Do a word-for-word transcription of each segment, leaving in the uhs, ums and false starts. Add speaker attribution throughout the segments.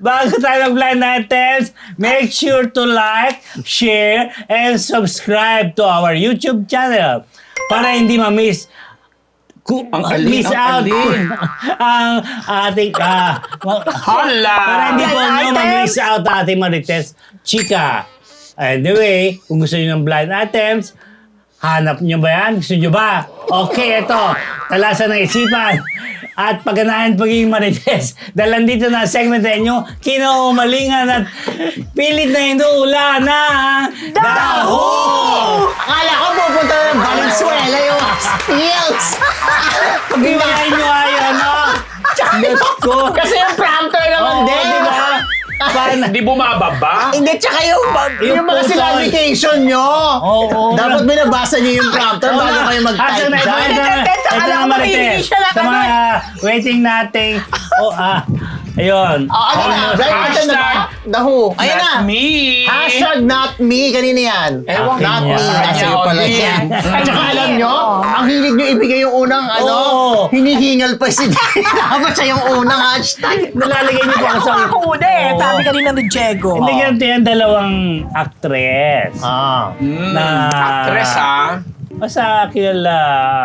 Speaker 1: bago tayo mag-blind items, make sure to like, share, and subscribe to our YouTube channel para hindi ma-miss Ku-
Speaker 2: Ang alin,
Speaker 1: miss
Speaker 2: ang
Speaker 1: out
Speaker 2: alin.
Speaker 1: ang ating ah, ma-
Speaker 2: Hala!
Speaker 1: para hindi po
Speaker 3: Blind
Speaker 1: nyo
Speaker 3: items.
Speaker 1: ma-miss out ang ating Marites Chika. Anyway, kung gusto nyo ng blind items, hanap nyo ba yan? Gusto nyo ba? Okay, ito. Talasan ng isipan. At pagganahan pagiging Marites. Dahil nandito na ang segment na inyo, kinaumalingan at pilit na hinula na Daho!
Speaker 4: Akala ko pupunta na ng Valenzuela yung skills.
Speaker 1: Pag-iwain nyo ayon, no? Diyos ko.
Speaker 4: Kasi yung prompter naman
Speaker 1: Oo,
Speaker 4: din.
Speaker 1: di ba? Paano?
Speaker 2: Hindi bumababa?
Speaker 4: Hindi, tsaka yung, yung,
Speaker 1: Yung
Speaker 4: mga
Speaker 1: puso.
Speaker 4: clarification nyo.
Speaker 1: Oo.
Speaker 4: Dapat binabasa nyo yung prompter
Speaker 1: Oo
Speaker 4: bago
Speaker 1: nga.
Speaker 4: kayo
Speaker 1: Asa
Speaker 4: mag-type
Speaker 1: na, ito,
Speaker 4: dyan.
Speaker 1: ito,
Speaker 3: Teka, teka,
Speaker 1: ito
Speaker 3: alam
Speaker 1: na,
Speaker 3: ko
Speaker 1: Marites.
Speaker 3: makikinig siya na
Speaker 1: Sa mga
Speaker 3: kagad.
Speaker 1: ah, waiting nating, oh ah, ayun.
Speaker 4: Oh, ano na?
Speaker 1: Almost.
Speaker 4: Blind item na ba?
Speaker 2: Hashtag
Speaker 4: Daho. Ayan na.
Speaker 2: Not me!
Speaker 4: Hashtag not me. Kanina yan.
Speaker 2: Ewan ko.
Speaker 4: Not me.
Speaker 1: Yan.
Speaker 4: Nasa iyo pala
Speaker 2: Yan.
Speaker 4: yan. At saka alam nyo, ang hilig nyo ibigay yung unang ano,
Speaker 1: Oo.
Speaker 4: hinihingal pa si Dapat siya yung unang hashtag.
Speaker 1: Nalalagay niyo po ako
Speaker 3: Ako
Speaker 1: sa...
Speaker 3: ako una eh.
Speaker 1: Oo.
Speaker 3: Sabi kanina ni Diego.
Speaker 1: Hindi ganito yan, dalawang actress.
Speaker 4: Ah.
Speaker 2: Mm,
Speaker 1: Na-
Speaker 2: actress, ha?
Speaker 1: Basta kilala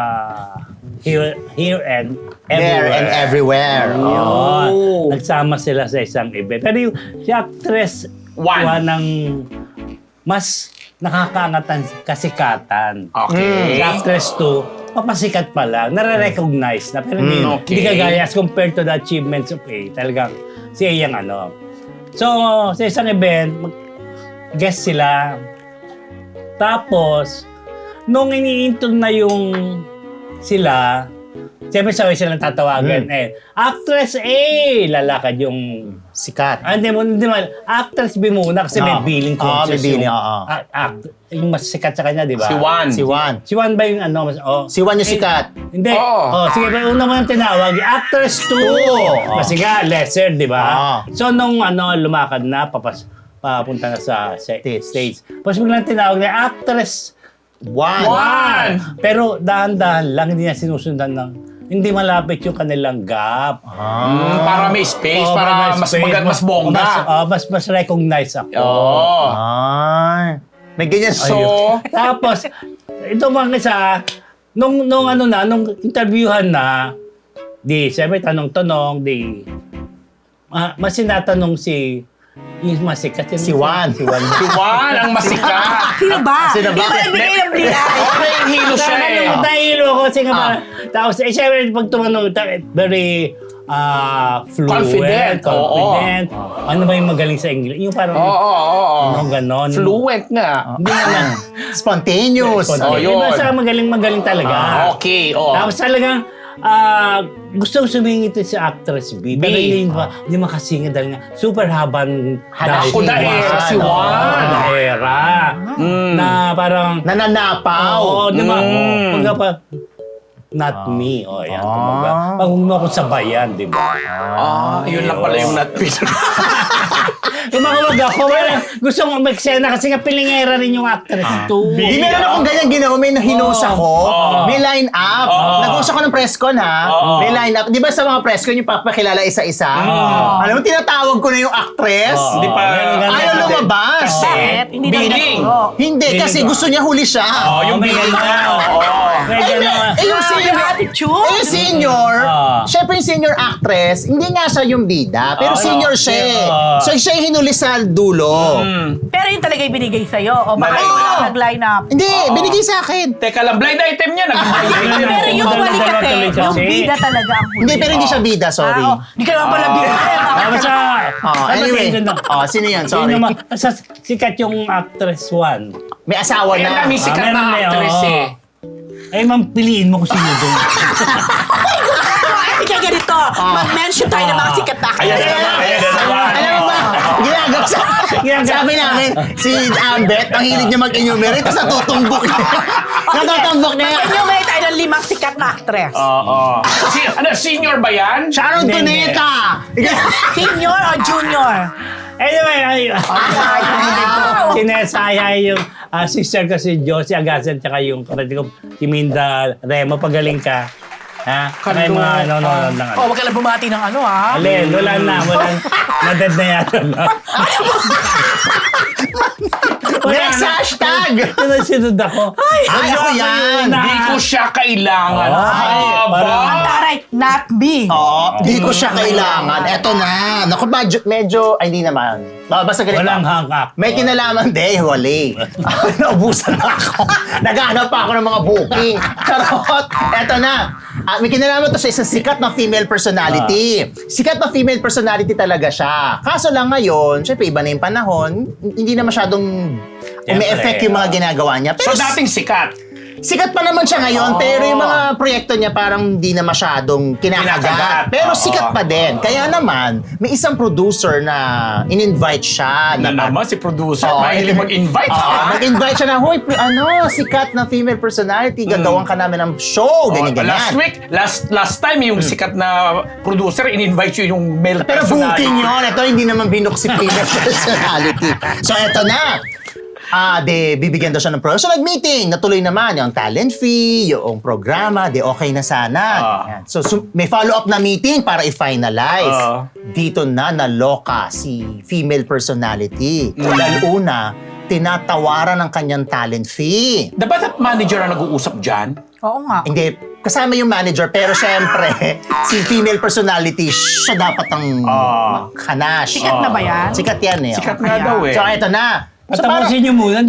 Speaker 1: here, here and
Speaker 4: There
Speaker 1: everywhere.
Speaker 4: and everywhere. Oh.
Speaker 1: Yun.
Speaker 2: Oh.
Speaker 1: Nagsama sila sa isang event. Pero yung si actress
Speaker 2: One.
Speaker 1: one ng mas nakakaangatan kasikatan.
Speaker 2: Okay.
Speaker 1: Si actress two, papasikat pa lang. Nare-recognize na. Pero hindi,
Speaker 2: Mm, okay.
Speaker 1: hindi kagaya as compared to the achievements of A. Talagang si A yung ano. So, sa isang event, mag- guest sila. Tapos, nung iniintog na yung sila, siyempre sabay silang tatawagan. Eh, actress A! Lalakad yung...
Speaker 4: Sikat.
Speaker 1: Ah, hindi mo, hindi mo. Actress B muna kasi may
Speaker 4: Ah.
Speaker 1: billing
Speaker 4: Ah,
Speaker 1: coaches
Speaker 4: may billing,
Speaker 1: yung,
Speaker 4: oo.
Speaker 1: ah, act, yung mas sikat sa kanya, di ba?
Speaker 2: Si Juan.
Speaker 4: Si Juan.
Speaker 1: Si Juan ba yung ano? Mas, oh.
Speaker 4: Si Juan yung sikat.
Speaker 1: Hindi.
Speaker 2: Oo.
Speaker 1: Oh, sige, pero una mo yung tinawag, actress two.
Speaker 4: Oo.
Speaker 1: Kasi nga, lesser, di ba?
Speaker 4: Oo.
Speaker 1: So, nung ano, lumakad na, papas, papunta na sa sa
Speaker 4: Stage.
Speaker 1: stage. Tapos biglang tinawag na actress
Speaker 4: Juan.
Speaker 2: Juan.
Speaker 1: pero dahan-dahan lang, hindi na sinusundan ng, hindi malapit yung kanilang gap.
Speaker 2: Mm, para may space,
Speaker 1: Oo,
Speaker 2: para
Speaker 1: may
Speaker 2: mas
Speaker 1: space,
Speaker 2: magat, mas bongga.
Speaker 1: Mas, oh, mas, mas recognize ako.
Speaker 2: Oo.
Speaker 4: Ay. May ganyan.
Speaker 2: So,
Speaker 1: Tapos, ito mga isa, nung, nung ano na, nung interviewhan na, di, siyempre tanong-tanong, di, ah, mas sinatanong si, yung masikat. yun,
Speaker 4: Si Juan.
Speaker 1: Si Juan.
Speaker 2: si Juan ang masikat.
Speaker 3: Sino ba?
Speaker 4: Sino ba?
Speaker 3: Hindi ko ibigay ang bilay.
Speaker 2: Okay, hilo siya eh.
Speaker 1: Ano, nahilo ko kasi nga
Speaker 4: Ah.
Speaker 1: parang- tapos, eh, siyempre, pag tumanong, ta- very ah fluent,
Speaker 2: Confident,
Speaker 1: confident. Ano ba yung magaling sa English? Yung parang,
Speaker 2: Oo, oo, oo.
Speaker 1: ano, ganon.
Speaker 2: Fluent nga.
Speaker 1: Hindi naman.
Speaker 4: Spontaneous.
Speaker 2: Oh, yun.
Speaker 1: Basta magaling-magaling talaga.
Speaker 2: Ah, okay, oo.
Speaker 1: Tapos talagang ah gusto sumingit si actress B. Pero
Speaker 2: B.
Speaker 1: hindi pa, hindi makasingit dahil nga super habang
Speaker 4: Hanap
Speaker 2: ko na era si Juan.
Speaker 1: Daera.
Speaker 2: Mm.
Speaker 1: Na parang,
Speaker 4: Nananapaw.
Speaker 1: oo, di ba?
Speaker 2: Mm.
Speaker 1: Pagka pa, not me. O, yan.
Speaker 4: Ah.
Speaker 1: Kumbaga, pag huwag mo akong sabayan, di ba?
Speaker 2: Ah, yun lang pala yung not Peter.
Speaker 1: Tumawag ako. Parang gusto mo mag-sena kasi nga pilingera rin yung actress too.
Speaker 4: Di meron akong ganyan ginawa, may nahinusa ko,
Speaker 2: Oo.
Speaker 4: may line up.
Speaker 2: Oo.
Speaker 4: Nag-usap ko ng press con ha,
Speaker 2: Oo.
Speaker 4: may line up. Di ba sa mga press con yung papakilala isa-isa? Alam mo, tinatawag ko na yung actress.
Speaker 1: Oo.
Speaker 2: Hindi pa.
Speaker 4: Ayaw lumabas.
Speaker 3: Bakit? Hindi na
Speaker 2: Billing.
Speaker 3: naturo.
Speaker 4: Hindi, kasi
Speaker 1: Hindi ba?
Speaker 4: gusto niya huli siya.
Speaker 2: Oh, yung
Speaker 1: may
Speaker 2: billing
Speaker 1: ganun.
Speaker 2: na. Oo.
Speaker 1: May
Speaker 4: Eh,
Speaker 1: ganun.
Speaker 4: eh, eh, yung
Speaker 3: Ah,
Speaker 4: senior,
Speaker 3: yung attitude.
Speaker 4: eh, yung senior,
Speaker 1: Ah.
Speaker 4: syempre yung senior actress, hindi nga siya yung bida, pero
Speaker 1: Ah,
Speaker 4: senior
Speaker 1: no.
Speaker 4: siya eh.
Speaker 1: Ah.
Speaker 4: So siya yung hinuli sa dulo.
Speaker 2: Mm.
Speaker 3: Pero yun talaga yung binigay sa'yo. O baka
Speaker 2: Oo.
Speaker 3: yung wala nag-line up.
Speaker 4: Hindi, binigay sa akin.
Speaker 2: Teka lang, blind item niya. Nag-blind item.
Speaker 3: Pero yung
Speaker 1: Dalawa-
Speaker 3: huli
Speaker 1: dalawa
Speaker 3: kasi,
Speaker 1: tuloy
Speaker 3: yung
Speaker 1: kasi.
Speaker 3: bida talaga ang huli.
Speaker 4: Hindi, pero hindi siya bida, sorry.
Speaker 3: Ah, oh. Hindi ka naman pala bida.
Speaker 1: Ah, basta,
Speaker 4: Oh, anyway. Oh, sino yan? Sorry.
Speaker 1: Yun naman, basta sikat yung actress one.
Speaker 4: May asawa
Speaker 2: Ayan na,
Speaker 4: na.
Speaker 2: may sikat
Speaker 1: Ah, meron
Speaker 2: na
Speaker 1: na yun,
Speaker 2: actress
Speaker 1: oo.
Speaker 2: eh.
Speaker 1: Eh, ma'am, piliin mo kung sino doon.
Speaker 3: Hindi ka ganito. Mag-mention tayo ng mga sikat na
Speaker 2: Ayan na naman, ayan na naman.
Speaker 4: Alam mo ba, ginagawa sa... Sabi namin, si Ambet, ang hilig niya mag-enumerate, tapos natutumbok niya. Natutumbok niya.
Speaker 3: Mag-enumerate tayo ng limang sikat na actress.
Speaker 2: Oo. Si, ano, senior ba yan?
Speaker 4: Sharon
Speaker 1: Hindi, hindi.
Speaker 4: Cuneta!
Speaker 3: Senior o junior?
Speaker 1: Anyway, ay,
Speaker 3: Wow!
Speaker 1: sinesaya yung ah, sister ko si Josie Agasan tsaka yung kapatid ko si Minda Remo. Pagaling ka. Ha? Kaya yung mga ano, ano, ano, ano.
Speaker 3: Oh, wag ka lang bumati ng ano, ha?
Speaker 1: Alin, wala na, wala na. Madad na yata.
Speaker 4: Next hashtag!
Speaker 1: Sunod ako.
Speaker 4: Ay, ako yan!
Speaker 2: Hindi ko siya kailangan.
Speaker 1: Ay,
Speaker 2: Aba.
Speaker 1: parang-
Speaker 3: Taray, not me.
Speaker 4: Oo, di ko siya kailangan. Eto na. Naku, medyo, medyo ay, hindi naman. Ah, Basta ganito.
Speaker 1: Walang hangak.
Speaker 4: May kinalaman, de, wali. Naubusan na ako. Naghahanap pa ako ng mga booking. Charot. Eto na. Ah, may kinalaman to sa isang sikat na female personality. Sikat na female personality talaga siya. Kaso lang ngayon, syempre iba na yung panahon, hindi na masyadong umi-effect yung mga ginagawa niya.
Speaker 2: So
Speaker 4: Pero
Speaker 2: dating sikat.
Speaker 4: sikat pa naman siya ngayon,
Speaker 2: Oh.
Speaker 4: pero yung mga proyekto niya parang hindi na masyadong
Speaker 2: Kinakagat.
Speaker 4: kinakagat. Pero
Speaker 2: Oo.
Speaker 4: sikat pa din. Kaya naman, may isang producer na in-invite siya.
Speaker 2: Na
Speaker 4: na
Speaker 2: naman si producer,
Speaker 4: Oo,
Speaker 2: mahilig mag-invite.
Speaker 4: Oo,
Speaker 2: ha?
Speaker 4: nag-invite siya na, hoy, pr- ano, sikat na female personality, gagawan ka namin ng show, ganyan,
Speaker 2: Oh,
Speaker 4: ganyan.
Speaker 2: last week, last last time yung sikat na producer, in-invite yun yung male
Speaker 4: Pero
Speaker 2: personality.
Speaker 4: booking yun. Ito, hindi naman binuk si female personality. So, eto na. Ah, de bibigyan daw siya ng pro. So, nag-meeting. Natuloy naman yung talent fee, yung programa, de okay na sana.
Speaker 2: Ah.
Speaker 4: Yan. So, so, may follow-up na meeting para i-finalize.
Speaker 2: Ah.
Speaker 4: Dito na naloka si female personality.
Speaker 2: Mm.
Speaker 4: Dahil una, tinatawaran ng kanyang talent fee.
Speaker 2: Dapat at manager ang nag-uusap dyan?
Speaker 3: Oo nga.
Speaker 4: Hindi, kasama yung manager, pero syempre, si female personality, siya dapat ang
Speaker 2: Ah.
Speaker 4: maghanash.
Speaker 3: Sikat na ba yan?
Speaker 4: Sikat yan eh.
Speaker 2: Sikat
Speaker 4: oh.
Speaker 2: nga
Speaker 3: Ayan.
Speaker 2: daw eh.
Speaker 4: So, eto na. So, parang,
Speaker 1: Patapusin niyo muna.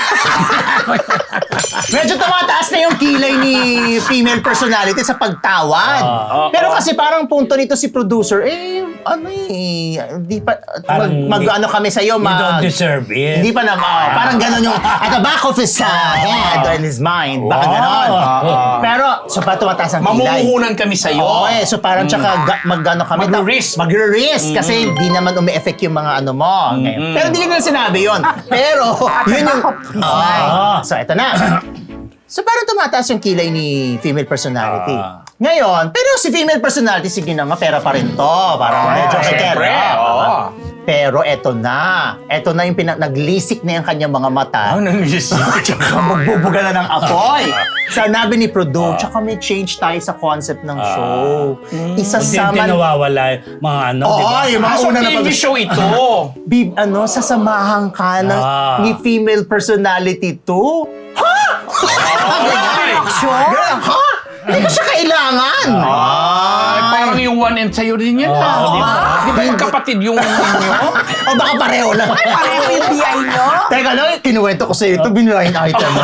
Speaker 4: medyo tumataas na yung kilay ni female personality sa pagtawad.
Speaker 1: Ah.
Speaker 4: Pero kasi parang punto nito si producer, eh, ano eh, di pa,
Speaker 1: Parang
Speaker 4: mag, mag
Speaker 1: hindi-
Speaker 4: ano kami sa'yo,
Speaker 1: You don't
Speaker 4: mag,
Speaker 1: deserve it.
Speaker 4: hindi pa naman, oh, parang gano'n yung, at the back of his uh, head or in his mind, baka
Speaker 1: Wow.
Speaker 4: gano'n.
Speaker 2: Ah.
Speaker 4: Pero, so pa tumataas ang kilay.
Speaker 2: Mamumuhunan kami sa'yo.
Speaker 4: Oo eh, so parang tsaka ga- mag-ano kami.
Speaker 2: Magre-risk.
Speaker 4: Magre-risk kasi hindi naman umi-effect yung mga ano mo. Ngayon. Pero hindi ko na sinabi yun. Pero, yun yung... Oo. So, eto na. So, parang tumataas yung kilay ni female personality.
Speaker 1: Ah.
Speaker 4: Ngayon, pero si female personality, sige na nga, pera pa rin to. Parang medyo may
Speaker 2: syempre,
Speaker 4: pera.
Speaker 2: oo.
Speaker 4: Pero eto na. Eto na yung pinag naglisik na yung kanyang mga mata.
Speaker 2: Ano nang
Speaker 4: Tsaka magbubuga na ng apoy. Sanabi ni Produ, tsaka may change tayo sa concept ng show.
Speaker 1: Hindi
Speaker 4: Isasama...
Speaker 1: nawawala yung mga ano,
Speaker 4: Oo,
Speaker 1: di ba?
Speaker 4: yung mga
Speaker 2: Ah, so
Speaker 4: una na
Speaker 2: T V
Speaker 4: pag-
Speaker 2: show ito.
Speaker 4: Bib, ano, sasamahan ka ng,
Speaker 1: Ah.
Speaker 4: ni female personality to?
Speaker 2: Ay,
Speaker 4: Ganun, ha? Hindi ko siya kailangan.
Speaker 2: Ay, parang yung one and sa'yo din yan.
Speaker 1: Oo,
Speaker 2: ah.
Speaker 1: di ba?
Speaker 2: Di ba magkapatid yung inyo?
Speaker 4: O baka pareho lang.
Speaker 3: Pareho yung B I nyo.
Speaker 4: Teka lang, kinuwento ko sa'yo ito, binulahin item mo.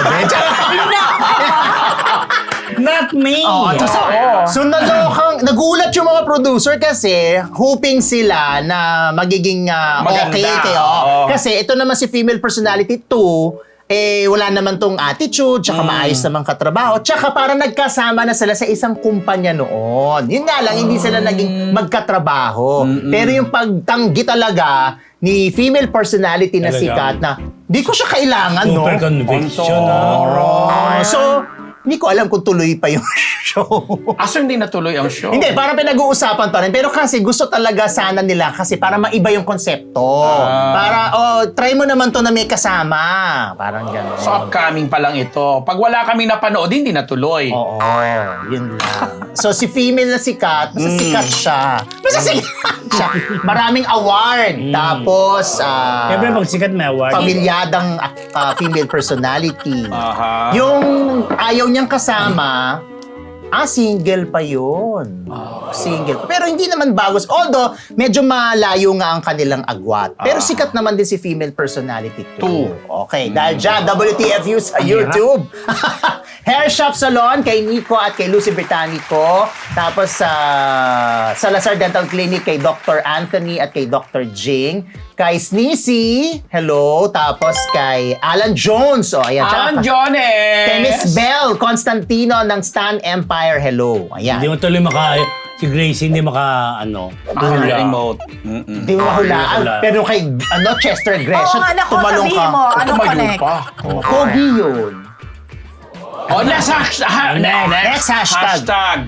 Speaker 1: Not me!
Speaker 4: Oh, so, so nalokang, nagulat yung mga producer kasi hoping sila na magiging ah,
Speaker 2: Maganda.
Speaker 4: okay kayo.
Speaker 2: Oo.
Speaker 4: Kasi ito naman si female personality two, eh wala naman tong attitude, tsaka
Speaker 2: Mm.
Speaker 4: maayos naman katrabaho, tsaka parang nagkasama na sila sa isang kumpanya noon. Yun nga lang, hindi sila
Speaker 2: Mm.
Speaker 4: naging magkatrabaho. Pero yung pagtanggi talaga ni female personality na
Speaker 1: Talaga.
Speaker 4: sikat na, di ko siya kailangan, no?
Speaker 1: Super conviction,
Speaker 2: Onto.
Speaker 1: ah.
Speaker 4: Oh, so, hindi ko alam kung tuloy pa yung show.
Speaker 2: Aso hindi natuloy ang show?
Speaker 4: Hindi, parang pinag-uusapan pa rin. Pero kasi gusto talaga sana nila kasi para maiba yung konsepto.
Speaker 2: Ah.
Speaker 4: Para, oh, try mo naman to na may kasama. Parang gano'n.
Speaker 2: So upcoming pa lang ito. Pag wala kami napanood, hindi natuloy.
Speaker 4: Oo, yun lang. So si female na sikat, basta
Speaker 2: Mm.
Speaker 4: sikat siya. Basta sikat siya. Maraming award. Tapos, ah,
Speaker 1: Siyempre, pag sikat may award.
Speaker 4: pamilyadang ah, female personality.
Speaker 2: Aha.
Speaker 4: Yung ayaw niyang kasama, ah, single pa yun. Single. Pero hindi naman bagos. Although, medyo malayo nga ang kanilang agwat. Pero sikat naman din si female personality too. Okay, dahil dyan, W T F U sa YouTube. Hair Shop Salon kay Nico at kay Lucy Britannico. Tapos sa Salazar Dental Clinic kay Doctor Anthony at kay Doctor Jing. Kay Sneezy, hello. Tapos kay Alan Jones. O, ayan. Tsaka-
Speaker 2: Alan Jones!
Speaker 4: Kay Miss Belle Constantino ng Stan Empire, hello. Ayan.
Speaker 1: Hindi mo tuloy maka... Si Gracie hindi maka, ano,
Speaker 2: Ah,
Speaker 1: hula.
Speaker 2: remote. Mm-mm.
Speaker 4: Di mo mahulaan.
Speaker 1: Wala.
Speaker 4: Pero kay ano, Chester
Speaker 3: Oo
Speaker 4: Gresham,
Speaker 3: nga, naku,
Speaker 4: tumalong
Speaker 3: sabihin
Speaker 4: ka.
Speaker 3: mo, ano
Speaker 2: Tumayo
Speaker 3: connect?
Speaker 2: pa.
Speaker 4: Pogi yun.
Speaker 2: Oh, next hashtag. ha-
Speaker 1: Next.
Speaker 4: Next hashtag.
Speaker 2: Hashtag.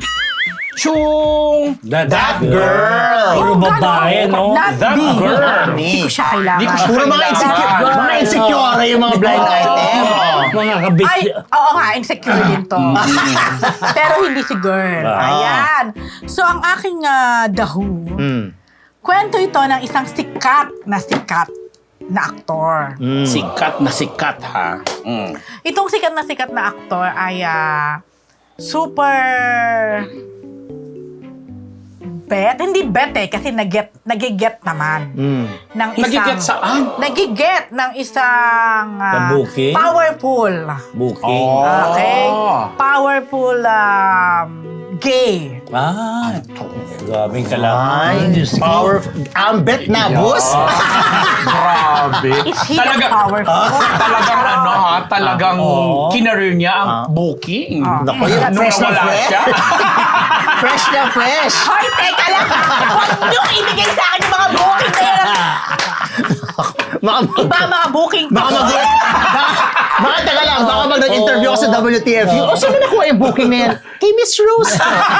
Speaker 2: Chung.
Speaker 1: That,
Speaker 4: That girl.
Speaker 1: Puro
Speaker 3: Oh,
Speaker 1: babae, no?
Speaker 3: Not
Speaker 2: That
Speaker 3: me.
Speaker 2: girl.
Speaker 3: Hindi ko siya kailangan.
Speaker 2: Di ko siya
Speaker 4: Puro mga
Speaker 2: kailangan.
Speaker 4: insecure, mga insecure yung mga blind item. Oh.
Speaker 1: Mga kabit.
Speaker 3: Ay, oo nga, insecure din to. Pero hindi si girl.
Speaker 1: Ah.
Speaker 3: Ayan. So, ang aking ah, dahu,
Speaker 4: Hmm.
Speaker 3: Kwento ito ng isang sikat na sikat na aktor.
Speaker 4: Mm.
Speaker 2: Sikat na sikat, ha? Mm.
Speaker 3: Itong sikat na sikat na aktor ay ah, super bet. Hindi bet eh, kasi nag-get, nag-get naman.
Speaker 4: Mm.
Speaker 3: Ng isang,
Speaker 2: Nag-get saan?
Speaker 3: Nag-get ng isang ah,
Speaker 1: Na booking?
Speaker 3: powerful.
Speaker 1: Booking.
Speaker 2: Oh.
Speaker 3: Okay? Powerful um, gay.
Speaker 1: Ah, grabing
Speaker 4: Ay,
Speaker 1: kalaman. Diyos ko.
Speaker 4: powerful. Ambet na, boss.
Speaker 2: Grabe.
Speaker 3: Is he
Speaker 2: Talaga,
Speaker 3: powerful?
Speaker 2: talagang ano ha, talagang
Speaker 1: Oo.
Speaker 2: kinareer niya ang
Speaker 4: Ah.
Speaker 2: booking.
Speaker 4: Naku, yun,
Speaker 2: Nung
Speaker 4: fresh na
Speaker 2: nawala
Speaker 4: fresh.
Speaker 2: siya.
Speaker 4: Fresh na fresh.
Speaker 3: Hoy, teka lang! Huwag niyo ibigay sa akin yung mga booking na yan.
Speaker 4: Baka mag...
Speaker 3: Iba ang mga booking ko.
Speaker 4: Baka mag... Baka, baka taga lang, baka mag nag-interview ka sa W T F U. O, saan na nakuha yung booking na yan? Kay Miss Rose.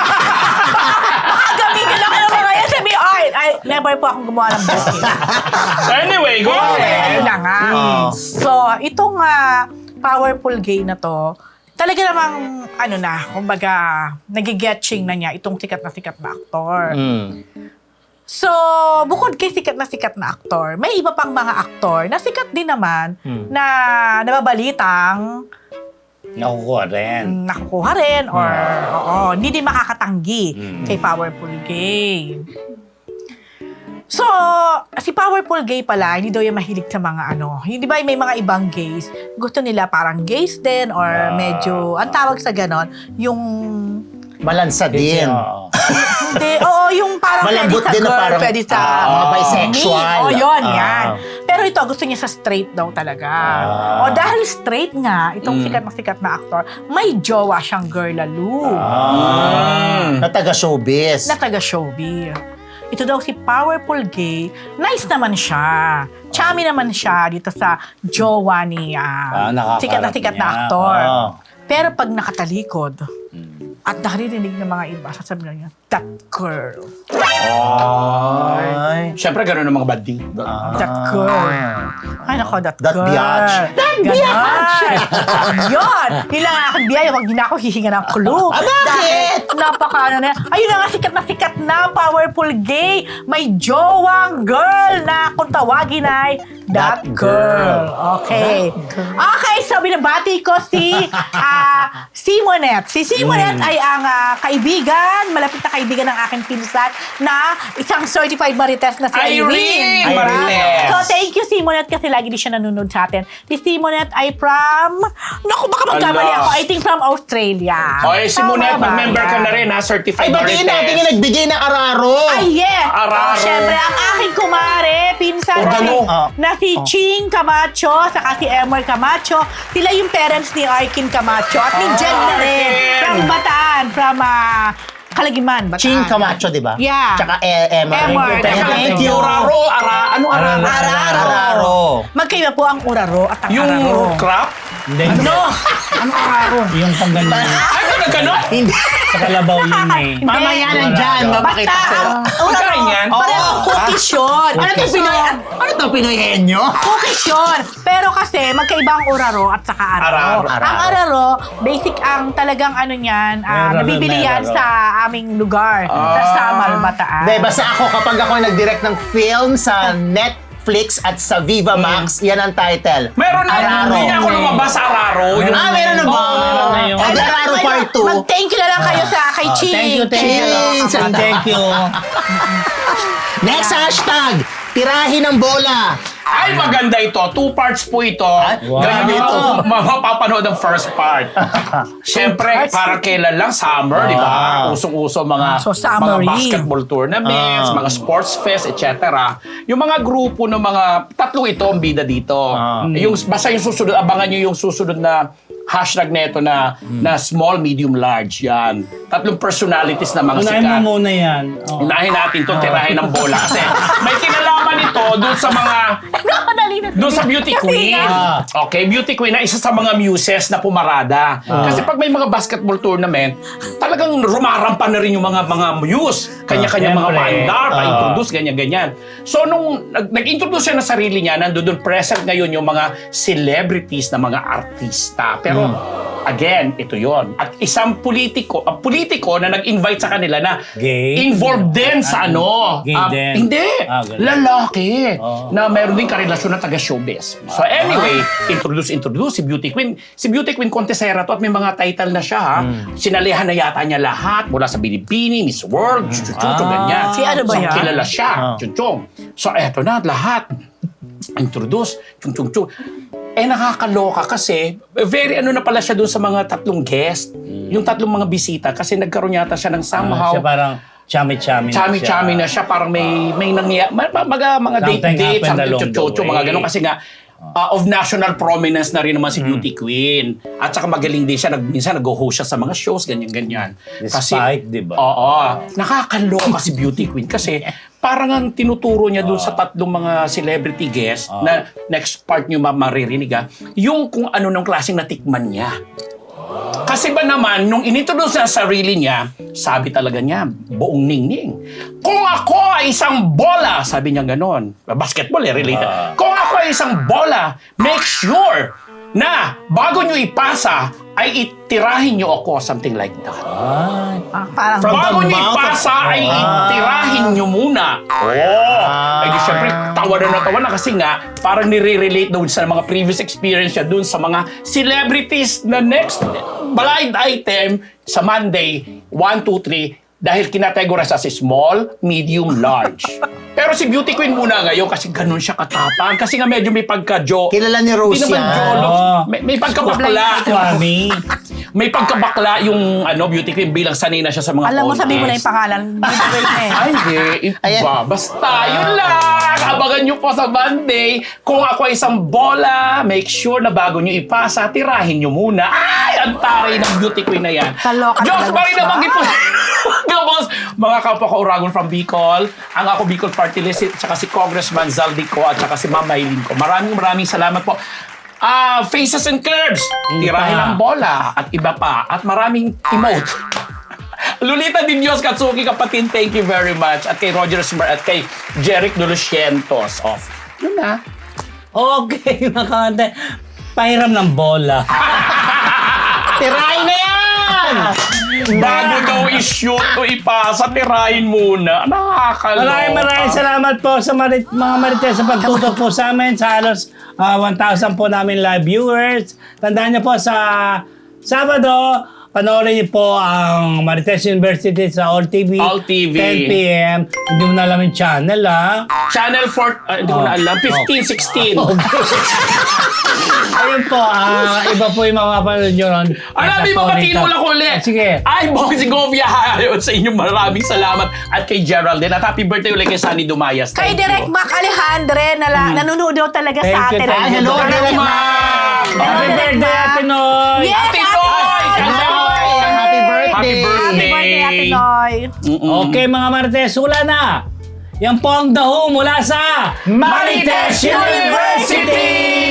Speaker 3: Baka gamitin lang kayo mga yan. Sabi, ay, ay, never po akong gumawa ng booking.
Speaker 2: Anyway, go
Speaker 3: Anyway,
Speaker 2: ahead.
Speaker 3: ayun na nga.
Speaker 4: Mm.
Speaker 3: So, itong ah, powerful gay na to, talaga namang, ano na, kumbaga, nagigetching na niya itong sikat na sikat na aktor.
Speaker 4: Mm.
Speaker 3: So, bukod kay sikat na sikat na aktor, may iba pang mga aktor na sikat din naman
Speaker 4: Hmm.
Speaker 3: na nababalitang
Speaker 1: Nakukuha rin.
Speaker 3: mm, nakukuha rin or oo, hindi din makakatanggi
Speaker 1: Mm.
Speaker 3: kay Powerful Gay. So, si Powerful Gay pala, hindi daw yung mahilig sa mga ano. Hindi ba may mga ibang gays, gusto nila parang gays din or
Speaker 1: Ah.
Speaker 3: medyo, ang tawag sa ganon, yung
Speaker 4: Malansa din.
Speaker 1: Oo.
Speaker 3: hindi, oo, yung parang
Speaker 4: Malambot
Speaker 3: pwede sa
Speaker 4: din na
Speaker 3: girl,
Speaker 4: parang,
Speaker 3: pwede sa
Speaker 4: ah, mga bisexual.
Speaker 3: me. O, yun,
Speaker 4: Ah.
Speaker 3: yan. Pero ito, gusto niya sa straight daw talaga.
Speaker 1: Ah.
Speaker 3: O, dahil straight nga, itong
Speaker 2: Mm.
Speaker 3: sikat na sikat na aktor, may jowa siyang girl lalo.
Speaker 2: Mm.
Speaker 4: Na taga showbiz.
Speaker 3: Na taga-showbiz. Ito daw si Powerful Gay. Nice naman siya. Chummy naman siya dito sa jowa ni
Speaker 1: Ah,
Speaker 3: ah,
Speaker 1: nakakarap
Speaker 3: sikat na sikat na
Speaker 1: niya.
Speaker 3: aktor.
Speaker 1: Ah.
Speaker 3: Pero pag nakatalikod, at nakarinig ng mga iba, sasabihin niya, that girl.
Speaker 4: Ay.
Speaker 2: Siyempre, gano'n ang mga bading.
Speaker 3: That girl. Ay, nako, that,
Speaker 4: That
Speaker 3: girl.
Speaker 4: biatch.
Speaker 3: That biatch! Yun! Yun lang ang aking biyaya. Huwag din ako hihinga ng clue.
Speaker 4: Ah, bakit?
Speaker 3: Dahil napaka ano na. Ayun na nga, sikat na sikat na, powerful gay. May jowang girl na kung tawagin ay that,
Speaker 4: That
Speaker 3: girl.
Speaker 4: girl.
Speaker 3: Okay. Okay, so binabati ko si ah, Simonette. Si Simonette ay ang ah, kaibigan, malapit na kaibigan ng aking pinsan na isang certified marites na si
Speaker 2: Irene
Speaker 3: Irene.
Speaker 2: Marites.
Speaker 3: So, thank you, Simonette, kasi lagi din siya nanonood sa atin. Si Simonette ay from, naku, baka magkamali
Speaker 2: Ala.
Speaker 3: ako, I think from Australia.
Speaker 2: O, eh, si Monet,
Speaker 3: Tama ba
Speaker 2: mag-member ka
Speaker 3: yan?
Speaker 2: na rin, ha? Certified
Speaker 4: Ay, batiin natin yung nagbigay ng araro.
Speaker 3: Ay, yeah!
Speaker 2: Araro.
Speaker 3: Oh, syempre, ang aking kumare, pinsan na si,
Speaker 2: Organo.
Speaker 4: Ah.
Speaker 3: na si Ching Camacho, saka si Emer Camacho. Sila yung parents ni Arkin Camacho at ni
Speaker 2: Ah,
Speaker 3: Jen na rin.
Speaker 2: Arkin.
Speaker 3: From Bataan, from ah, Kalagiman, Bataan.
Speaker 4: Ching Camacho, di ba?
Speaker 3: Yeah.
Speaker 4: Tsaka e Emma.
Speaker 3: Emma.
Speaker 4: Thank you, thank you.
Speaker 2: Uraro, ara, ano araro?
Speaker 3: Araro.
Speaker 4: Araro.
Speaker 3: Magkaiba po ang uraro at ang
Speaker 2: Yung
Speaker 3: araro.
Speaker 2: crop?
Speaker 1: Hindi, hindi.
Speaker 3: Ano? Ano araro?
Speaker 1: Yung pang ganun.
Speaker 2: Ay, ano gano'n?
Speaker 4: Hindi.
Speaker 1: Sa kalabaw yun eh.
Speaker 3: Hindi.
Speaker 4: Mamaya nandyan,
Speaker 1: Basta
Speaker 4: mapakita
Speaker 3: Basta
Speaker 4: sa'yo.
Speaker 3: ang uraro,
Speaker 2: Pagkain yan?
Speaker 3: parang
Speaker 4: Oo.
Speaker 3: cookies yun.
Speaker 4: Ano to Pinoy? Ano to Pinoy henyo?
Speaker 3: Cookies yun. Pero kasi magkaiba ang uraro at saka araro.
Speaker 2: Araro.
Speaker 3: Ang araro, basic ang talagang ano niyan, ah,
Speaker 1: May araro,
Speaker 3: nabibili
Speaker 1: may
Speaker 3: yan
Speaker 1: araro.
Speaker 3: sa aming lugar.
Speaker 2: Ah.
Speaker 3: Sa Samal, Bataan.
Speaker 4: Di, basta ako, kapag ako nag-direct ng film sa Netflix at sa Viva Max, yan ang title.
Speaker 2: Meron na,
Speaker 4: Araro.
Speaker 2: hindi na ako lumabas sa araro. Yung-
Speaker 4: Ah, meron na ba?
Speaker 2: Oo.
Speaker 1: Meron na yun.
Speaker 4: Oh, di Araro Part two.
Speaker 3: Mag-thank you na lang kayo sa kay
Speaker 1: Oh,
Speaker 3: Ching.
Speaker 1: thank you, thank you.
Speaker 4: Ching.
Speaker 1: Thank you.
Speaker 4: Next hashtag, tirahin ng bola.
Speaker 2: Ay, maganda ito. Two parts po ito.
Speaker 1: wow.
Speaker 2: Ganyan ito. Mapapanood ang first part. Siyempre, para kailan lang? Summer, di ba?
Speaker 4: Wow.
Speaker 2: Usong-uso mga,
Speaker 3: So,
Speaker 2: mga
Speaker 3: summery.
Speaker 2: basketball tournaments,
Speaker 4: Ah.
Speaker 2: mga sports fest, et cetera. Yung mga grupo ng mga, tatlong ito ang bida dito.
Speaker 4: Ah.
Speaker 2: Yung, basta yung susunod, abangan nyo yung susunod na hashtag neto na, na small, medium, large. Yan. Tatlong personalities na mga
Speaker 1: Unahin
Speaker 2: sikat.
Speaker 1: mo muna yan. Oh.
Speaker 2: Unahin natin to tirahin ng bola kasi may kinalaman ito doon sa mga
Speaker 3: Napadali na.
Speaker 2: doon sa beauty
Speaker 3: Kasi
Speaker 2: queen.
Speaker 3: nga,
Speaker 2: Okay, beauty queen na isa sa mga muses na pumarada. Kasi pag may mga basketball tournament, talagang rumarampa na rin yung mga mga muse. Kanya-kanya mga
Speaker 1: Siyempre.
Speaker 2: mandar,
Speaker 1: Ah.
Speaker 2: pa-introduce, ganyan-ganyan. So nung nag- nag-introduce siya ng sarili niya, nandoon doon present ngayon yung mga celebrities na mga artista. Pero Again, ito yon. At isang politiko, ang politiko na nag-invite sa kanila na
Speaker 1: Gay?
Speaker 2: involved din sa ano.
Speaker 1: Gay
Speaker 2: ah,
Speaker 1: din?
Speaker 2: Hindi.
Speaker 1: Ah, ganun.
Speaker 2: Lalaki.
Speaker 1: Oh.
Speaker 2: Na meron din karelasyon na taga-showbiz. So anyway, introduce, introduce si Beauty Queen. Si Beauty Queen Contesera to at may mga title na siya ha.
Speaker 1: Hmm.
Speaker 2: Sinalihan na yata niya lahat mula sa Binibini, Miss World, chuchuchucho,
Speaker 1: Ah.
Speaker 2: ganyan.
Speaker 3: Si ano ba
Speaker 2: so,
Speaker 3: yan?
Speaker 2: kilala siya,
Speaker 4: Ah.
Speaker 2: chuchong. So eto na, lahat. Introduce, chung chung chung. Eh nakakaloka kasi very ano na pala siya doon sa mga tatlong guest. Yung tatlong mga bisita kasi nagkaroon yata siya ng
Speaker 1: Ah,
Speaker 2: somehow
Speaker 1: siya parang chami-chami na siya.
Speaker 2: chami-chami na siya, parang may may nangyayari, mga, mga, mga
Speaker 1: Something
Speaker 2: date-date,
Speaker 1: happened
Speaker 2: something
Speaker 1: along the
Speaker 2: chocho, mga
Speaker 1: way.
Speaker 2: ganun. Kasi nga, uh, of national prominence na rin naman si Beauty Queen. At saka magaling din siya, nag, minsan nag-host siya sa mga shows, ganyan-ganyan.
Speaker 1: Despite, di ba?
Speaker 2: Oo. Nakakaloka si Beauty Queen kasi parang ang tinuturo niya dun sa tatlong mga celebrity guests na next part niyo ma- maririnig ha, yung kung ano nung klaseng natikman niya. Kasi ba naman, nung inintroduce niya ang sarili niya, sabi talaga niya, buong ningning. Kung ako ay isang bola, sabi niya ganon. Basketball eh, related. Kung ako ay isang bola, make sure na bago niyo ipasa, ay itirahin niyo ako, something like that.
Speaker 1: Ay.
Speaker 3: Ah, parang
Speaker 4: From
Speaker 2: Bago
Speaker 4: the
Speaker 2: niyo
Speaker 4: mouth of-
Speaker 2: ipasa, ay
Speaker 4: Ah.
Speaker 2: itirahin niyo muna. Oh!
Speaker 4: Ah.
Speaker 2: Ay di syempre, tawa na na tawa na kasi nga, parang nire-relate doon sa mga previous experience niya doon sa mga celebrities na next blind item sa Monday, one, two, three, dahil kinategorize as small, medium, large. Pero si Beauty Queen muna ngayon kasi ganun siya katapang. Kasi nga medyo may pagka-joke.
Speaker 4: Kilala ni Rose
Speaker 2: Hindi naman
Speaker 4: yan.
Speaker 2: jolo.
Speaker 1: Oo.
Speaker 2: May, may pagkabakla.
Speaker 1: Swami.
Speaker 2: May pagkabakla yung ano Beauty Queen bilang sanay na siya sa mga
Speaker 3: alam mo, sabi mo na
Speaker 2: contest.
Speaker 3: yung pangalan. Bibigay na eh.
Speaker 2: Ay, hindi.
Speaker 4: Ayan.
Speaker 2: Iba. Basta, yun lang. Abangan nyo po sa Monday. Kung ako ay isang bola, make sure na bago nyo ipasa, tirahin nyo muna. Ay, ang taray ng Beauty Queen na yan.
Speaker 3: Kaloka
Speaker 2: Diyos,
Speaker 3: talaga
Speaker 2: bari
Speaker 3: siya.
Speaker 2: na mag-ipo. Gabos, mga kapwa ka Uragon from Bicol, ang ako Bicol Party List, at saka si Congressman Zaldico, at saka si Ma'am Maylin ko. Maraming maraming salamat po. Ah, Faces and Curves, tirahin
Speaker 1: pa.
Speaker 2: ang bola, at iba pa, at maraming emote. Lolita Di Dios Katsuki, kapatid, thank you very much. At kay Roger Smart at kay Jeric Dolucientos. Off. Yun na.
Speaker 1: Okay, mga kante. Pahiram ng bola.
Speaker 4: Tirahin na yan!
Speaker 2: Bago daw i-shoot o ipasa, tirahin muna. Nakakaloka.
Speaker 1: Maraming maraming salamat po sa marit, mga marites sa pagtutok po sa amin sa halos ah, one thousand po namin live viewers. Tandaan niyo po sa Sabado, panoorin niyo po ang Marites University sa All T V.
Speaker 2: All T V.
Speaker 1: ten p.m. Hindi mo na alam yung channel, ha?
Speaker 2: Channel four, ah, hindi ko na alam, fifteen, sixteen.
Speaker 1: Ayun po, ah, iba po yung mapapanood nyo ron.
Speaker 2: Alam,
Speaker 1: Nasa
Speaker 2: di ba
Speaker 1: po
Speaker 2: matino
Speaker 1: rito.
Speaker 2: lang ulit?
Speaker 1: Ah, sige.
Speaker 2: Ay, Bossy Govia, ayun sa inyo. Maraming salamat. At kay Geraldine. At happy birthday ulit kay Sunny Dumayas.
Speaker 3: Kay
Speaker 2: Thank
Speaker 3: Direk
Speaker 2: you.
Speaker 3: Mac Alejandre, na la, nanonood daw talaga
Speaker 1: Thank
Speaker 3: sa
Speaker 1: you,
Speaker 3: atin.
Speaker 1: thank you.
Speaker 4: hello,
Speaker 2: Hello,
Speaker 4: Direk
Speaker 2: ma'am!
Speaker 1: Happy birthday, Ate Noy!
Speaker 3: Yes,
Speaker 2: Ate
Speaker 3: Ate
Speaker 2: Noy!
Speaker 3: Noy!
Speaker 2: Happy birthday!
Speaker 4: Happy birthday!
Speaker 2: Happy birthday!
Speaker 3: Happy birthday, Ate Noy!
Speaker 2: Mm-mm.
Speaker 1: Okay, mga Marites, wala na. Yan po ang daho mula sa
Speaker 2: Marites University!